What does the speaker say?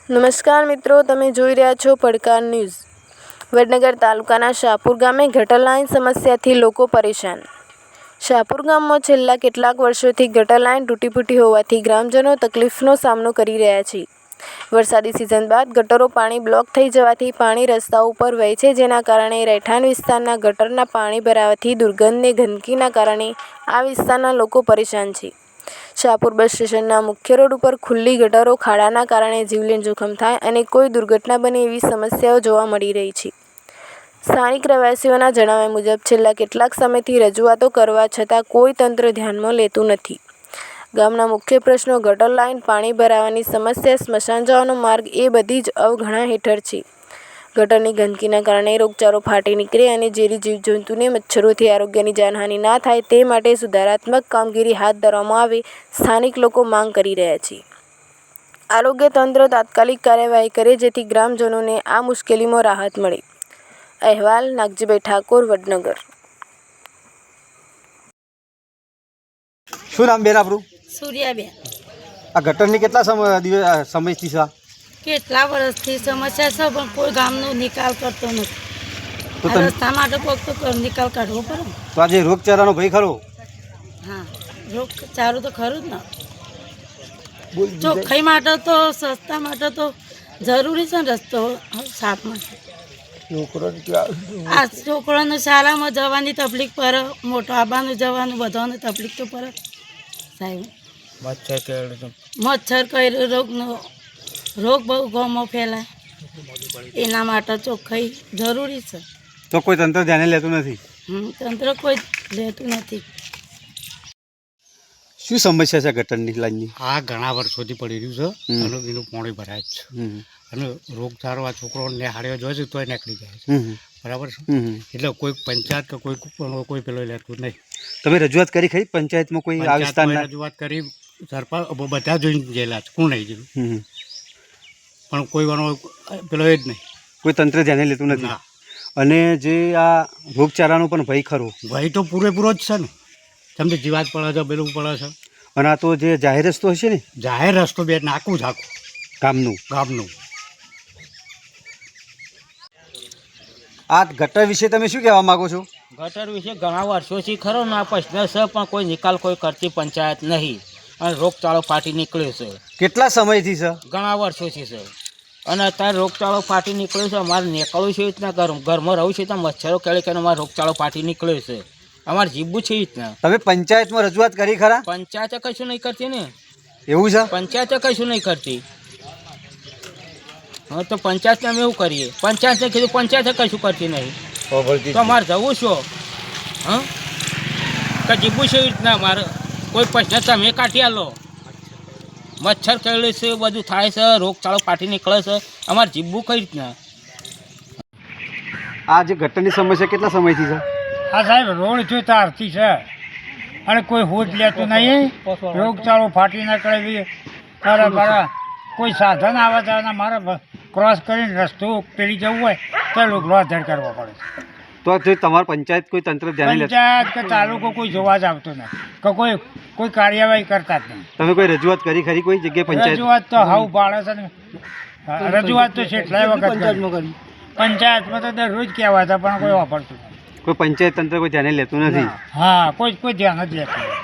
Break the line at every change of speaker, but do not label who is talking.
નમસ્કાર મિત્રો, તમે જોઈ રહ્યા છો પડકાર ન્યૂઝ। વડનગર તાલુકાના શાહપુર ગામે ગટર લાઇન સમસ્યાથી લોકો પરેશાન। શાહપુર ગામમાં છેલ્લા કેટલાક વર્ષોથી ગટર લાઇન તૂટી હોવાથી ગ્રામજનો તકલીફનો સામનો કરી રહ્યા છે। વરસાદી સિઝન બાદ ગટરો પાણી બ્લોક થઈ જવાથી પાણી રસ્તાઓ ઉપર વહે છે, જેના કારણે રહેઠાણ વિસ્તારના ગટરના પાણી ભરાવાથી દુર્ગંધને ગંદકીના કારણે આ વિસ્તારના લોકો પરેશાન છે। શાહપુર બસ સ્ટેશનના મુખ્ય રોડ ઉપર ખુલ્લી ગટરો ખાડાના કારણે જીવલેણ જોખમ થાય અને કોઈ દુર્ઘટના બને એવી સમસ્યાઓ જોવા મળી રહી છે। સ્થાનિક રહેવાસીઓના જણાવ્યા મુજબ છેલ્લા કેટલાક સમયથી રજૂઆતો કરવા છતાં કોઈ તંત્ર ધ્યાનમાં લેતું નથી। ગામના મુખ્ય પ્રશ્નો ગટર લાઇન, પાણી ભરાવાની સમસ્યા, સ્મશાન જવાનો માર્ગ એ બધી જ અવગણના હેઠળ છે। ગટરની ગંદકીના કારણે રોગચાળો ફાટી નીકળે અને ઝેરી જીવજંતુને મચ્છરોથી આરોગ્યની જાનહાનિ ના થાય તે માટે સુધારાત્મક કામગીરી હાથ ધરવામાં આવે, સ્થાનિક લોકો માંગ કરી રહ્યા છે। આરોગ્ય તંત્ર તાત્કાલિક કાર્યવાહી કરે જેથી ગ્રામજનોને આ મુશ્કેલીમાં રાહત મળે। અહેવાલ નાગજીભાઈ ઠાકોર, વડનગર।
શું નામ બેન આપણું?
સૂર્યાબેન।
આ ગટરની કેટલા સમયથી છે?
કેટલા વર્ષથી સમસ્યા છે, પણ કોઈ ગામનો નિકાલ કરતો નથી। આ રસ્તા માટે કોઈક તો નિકાલ કાઢવો પડે ને।
તો આજે રોગચાળાનો ભય ખરો?
હા, રોગચાળો તો ખરું જ ને। ચોખ્ખાઈ માટે તો, સસ્તા માટે તો જરૂરી છે ને રસ્તો સાફ માટે। આ છોકરાને શાળામાં જવાની તકલીફ પડે, મોટો આબાનું જવાનું બધાને તકલીફ તો પડે સાહેબ। મચ્છર કઈ રોગ બહુ ગામમાં ફેલાય, એના માટે ચોખ્ખાઈ જરૂરી છે।
તો કોઈ તંત્ર ધ્યાને લેતું નથી?
તંત્ર કોઈ લેતું નથી।
શું સમસ્યા છે ગટરની લાઈનની?
આ ઘણા વર્ષોથી પડી રહ્યું છે અને એનું પાણી ભરાય જ છે અને રોગચાળો આ છોકરો નિહાળ્યો જોઈએ છે તોય નીકળી જાય છે, બરાબર છે। એટલે કોઈ પંચાયત કે કોઈ પેલો લેતું નહીં।
તમે રજૂઆત કરી ખરી પંચાયતમાં? કોઈ આ વિસ્તારના
રજૂઆત કરી, સરપંચ બધા જોઈને ગયેલા છે, કોણ નહીં ગયેલું, પણ કોઈ વાનો પેલો એ જ નહીં, કોઈ
તંત્ર ધ્યાને લેતું નથી। અને જે આ રોગચાળાનો પણ ભય ખરો?
ભય તો પૂરેપૂરો જ છે ને, તમને જીવાત પડે છે, પેલું પડે છે।
અને આ તો જે જાહેર રસ્તો હશે ને?
જાહેર રસ્તો બે નાખું જ આખું ગામનું।
આ ગટર વિશે તમે શું કહેવા માંગો છો?
ગટર વિશે ઘણા વર્ષોથી ખરો ના પ્રશ્ન છે, પણ કોઈ નિકાલ કોઈ કરતી પંચાયત નહીં અને રોગચાળો ફાટી નીકળ્યો છે।
કેટલા સમયથી છે?
ઘણા વર્ષોથી છે અને અત્યારે રોગચાળો ફાટી નીકળ્યો છે। અમારે નીકળવું છે રીતના ઘરમાં રહું છે ત્યાં મચ્છરો કેળે અમારે રોગચાળો ફાટી નીકળ્યો છે, અમારે જીવવું છે રીતના।
તમે પંચાયતમાં રજૂઆત કરી ખરા?
પંચાયતે કશું નહીં કરતી ને।
એવું છે?
પંચાયતે કશું નહીં કરતી। હા, તો પંચાયતને અમે એવું કરીએ? પંચાયતને કીધું, પંચાયતે કશું કરતી નહીં, તો અમારે જવું છો? હા, કે જીવવું છે રીતના અમારે? કોઈ પ્રશ્ન તમે કાઢી આલો, મચ્છર કેળે છે, બધું થાય છે, રોગચાળો ફાટી નીકળે છે, અમારે જીવવું કઈ રીતના?
આ જે ગટરની સમસ્યા કેટલા સમયથી છે?
આ સાહેબ રોડ જો તારથી છે અને કોઈ હોજ લેતું નહીં, રોગચાળો ફાટી નીકળે બરાબર। કોઈ સાધન આવે તો મારે ક્રોસ કરીને રસ્તો પેલી જવું હોય તો લોકો અધર કરવો પડે।
તો જો તમારે પંચાયત કોઈ તંત્ર ધ્યાને લે?
પંચાયત કે તાલુકો કોઈ જોવા જ આવતો નહીં કે કોઈ કાર્યવાહી કરતા જ નહીં।
તમે કોઈ રજૂઆત કરી ખરી કોઈ જગ્યાએ પંચાયત?
રજૂઆત તો હાવ પાડે છે ને, રજૂઆત તો કેટલાય વખત પંચાયતમાં તો દરરોજ કહેવાતા, પણ કોઈ વાપરતું નહીં।
કોઈ પંચાયત તંત્ર કોઈ ધ્યાને લેતું નથી?
હા, કોઈ ધ્યાન જ લેતું।